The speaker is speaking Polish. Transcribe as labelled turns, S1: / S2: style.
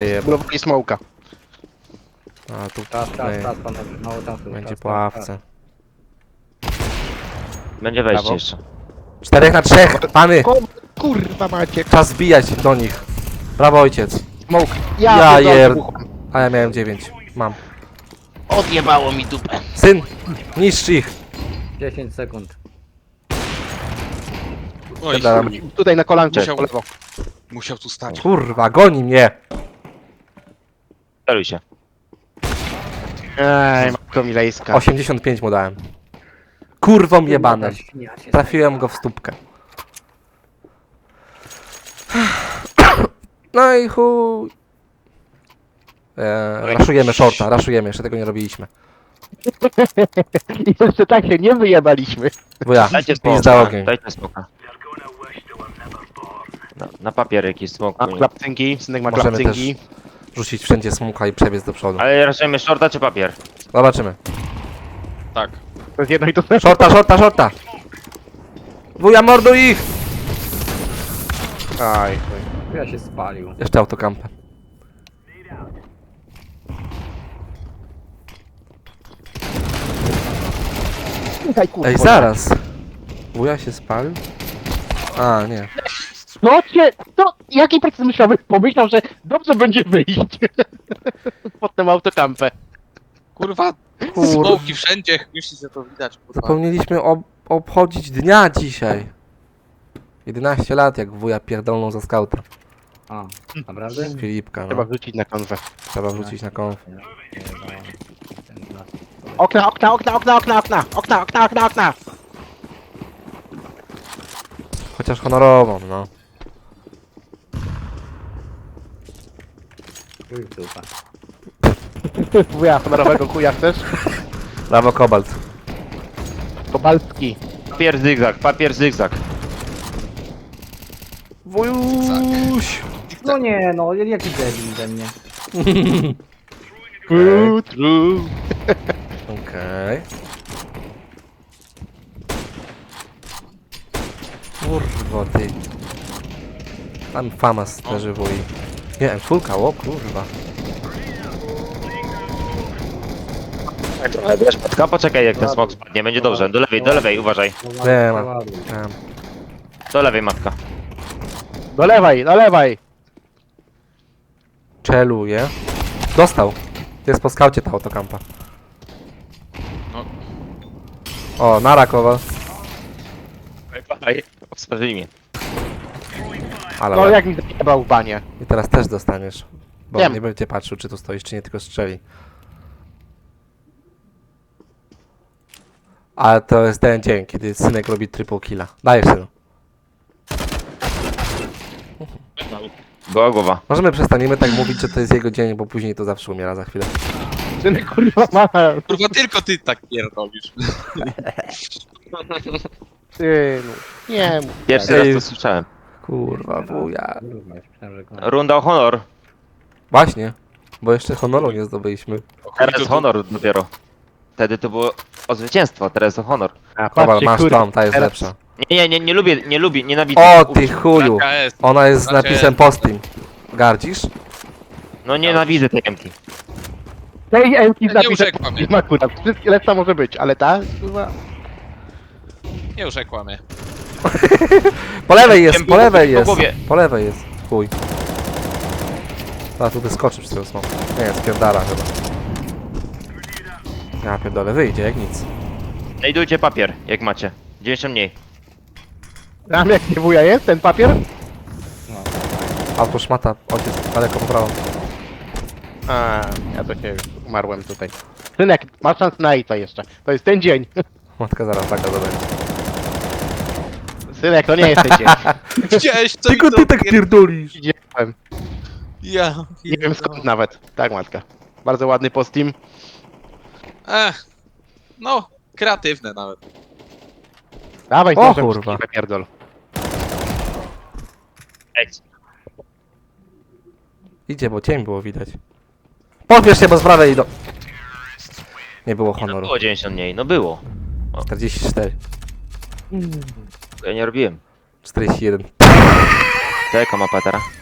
S1: Blowali smoka.
S2: A tu
S3: Czas, panowie, mało czasu.
S2: będzie
S3: czas,
S2: po
S3: czas,
S2: ławce.
S4: Będzie wejście
S1: Brawo.
S4: jeszcze.
S2: 4 na 3, pany!
S1: Kurwa macie.
S2: Czas zbijać do nich. Brawo ojciec.
S1: Smoke.
S2: Ja
S1: pierdolę,
S2: jer-
S1: wybuchłem.
S2: A ja miałem 9. Mam.
S1: Odjebało mi dupę.
S2: Syn! Niszcz ich!
S3: 10 sekund.
S5: Oj,
S2: Dam.
S1: Tutaj na kolankę,
S5: Musiał-
S1: po lewo.
S5: musiał tu stać.
S2: Kurwa, goni mnie!
S4: Steruj się.
S1: Ej, matko milejska.
S2: 85 mu dałem. Kurwą jebanem.
S3: Świnia się
S2: Trafiłem go w stópkę. No i chuj. Raszujemy shorta, raszujemy, jeszcze tego nie robiliśmy.
S1: I jeszcze tak się nie wyjebaliśmy.
S2: Wuja,
S4: Dajcie
S2: pizda
S4: smoka.
S2: ogień.
S4: Dajcie smoka. Na papier jakiś smok.
S1: Ma klapcynki, synek ma
S2: Możemy
S1: klapcynki.
S2: Rzucić wszędzie smuka i przebiec do przodu.
S4: Ale raczej shorta czy papier?
S2: Zobaczymy.
S5: Tak.
S1: To jest jedno i to samo.
S2: Shorta, shorta, shorta! Wuja, morduj ich!
S1: Aj,
S3: Ja się spalił.
S2: Jeszcze autokampę.
S1: Aj, kurwa.
S2: Ej, zaraz! Wuja się spalił? A, nie.
S1: No cię, to jaki proces myślowy pomyślał, że dobrze będzie wyjść. Potem autokampę.
S5: Kurwa,
S2: Kur-
S5: smoki wszędzie, myślisz, że to widać, kurwa.
S2: Zapomnieliśmy obchodzić dnia dzisiaj. 11 lat, jak wuja pierdolną za skauta.
S3: A, naprawdę?
S2: Filipka,
S1: Trzeba
S2: no.
S1: wrzucić na konwę.
S2: Trzeba wrzucić na konf.
S1: Okna, okna, okna, okna, okna, okna, okna, okna, okna, okna.
S2: Chociaż honorową, no.
S3: Chuj w dupę.
S1: Wuja, honorowego chuja chcesz?
S2: Brawo, Kobalt.
S1: Kobalski.
S4: Papier zygzak.
S2: Wujuś!
S3: No nie, no, jaki debil ze mnie.
S1: True.
S2: Okej. Kurwa, ty. Tam famas leży wuj. Nie, M4, o kurwa.
S4: Tylko poczekaj jak ten smok spadnie, będzie dobrze. Do lewej, uważaj.
S2: Nie ma.
S3: Ładuj.
S4: Do lewej matka.
S1: Dolewaj, dolewaj.
S2: Czeluje. Dostał. To jest po skaucie ta autokampa.
S5: No.
S2: O, nara Kowal.
S4: Sprawdzili mnie.
S2: Ale
S1: No
S2: łeb.
S1: jak mi zajebał w banie.
S2: I teraz też dostaniesz. Bo
S1: Wiem.
S2: nie będzie patrzył, czy tu stoisz, czy nie, tylko strzeli. Ale to jest ten dzień, kiedy synek robi triple killa. Dajesz synu.
S4: Goła głowa.
S2: Możemy przestaniemy tak mówić, że to jest jego dzień, bo później to zawsze umiera za chwilę.
S1: Synek kurwa ma.
S5: Kurwa, tylko ty tak pierdolisz.
S1: Synu. Nie mów.
S4: Pierwszy raz to słyszałem.
S2: Kurwa, wuja.
S3: Kurwa, już myślałem, że koniec.
S4: Runda o honor.
S2: Właśnie, bo jeszcze honoru nie zdobyliśmy.
S4: Teraz honor dopiero. Wtedy to było o zwycięstwo, teraz o honor.
S1: A,
S2: Kowal,
S1: patrzcie,
S2: masz
S1: kurwa,
S2: tą, ta jest
S1: teraz-
S2: lepsza.
S4: Nie lubię, nienawidzę.
S2: O ty chuju!
S5: KS.
S2: Ona jest z
S5: Znaczy-
S2: napisem postim. Gardzisz?
S4: No nienawidzę tej emki.
S1: Tej Emki
S5: Nie
S1: zapisać
S5: urzekła mnie.
S1: nie ma akurat. Wszystkie lepsza może być, ale ta kurwa.
S5: Nie urzekła mnie.
S2: Po lewej jest,
S4: Wiem,
S2: po lewej
S4: po
S2: jest.
S4: głowie.
S2: Po lewej jest. Chuj. A tu wyskoczy przez tego smoka. Nie, spierdala chyba. Ja pierdolę, wyjdzie jak nic.
S4: Znajdujcie papier, jak macie. 90 mniej.
S1: Tam jak nie wuja jest, ten papier?
S2: Auto szmata, ojciec daleko po prawo.
S1: A, ja to się umarłem tutaj. Synek, masz szansę na Aita jeszcze. To jest ten dzień.
S2: Matka zaraz taka zadanie.
S1: Synek, to nie jest ten dzień.
S5: Widziałeś co
S2: Tylko
S5: mi to
S2: ty tak pierdolisz.
S1: Widziałem.
S5: Ja.
S1: Nie wiem skąd nawet. Tak, matka. Bardzo ładny post team.
S5: No, kreatywne nawet.
S1: Dawaj,
S2: O,
S1: nożem
S2: kurwa.
S1: w pierdol.
S2: Idzie, bo cień było widać. Podbierz się, bo z prawej idą. Nie było
S4: No
S2: honoru.
S4: było 90 mniej, no było.
S2: 44.
S4: Ja nie robiłem.
S2: 41.
S4: To jaka mapa teraz?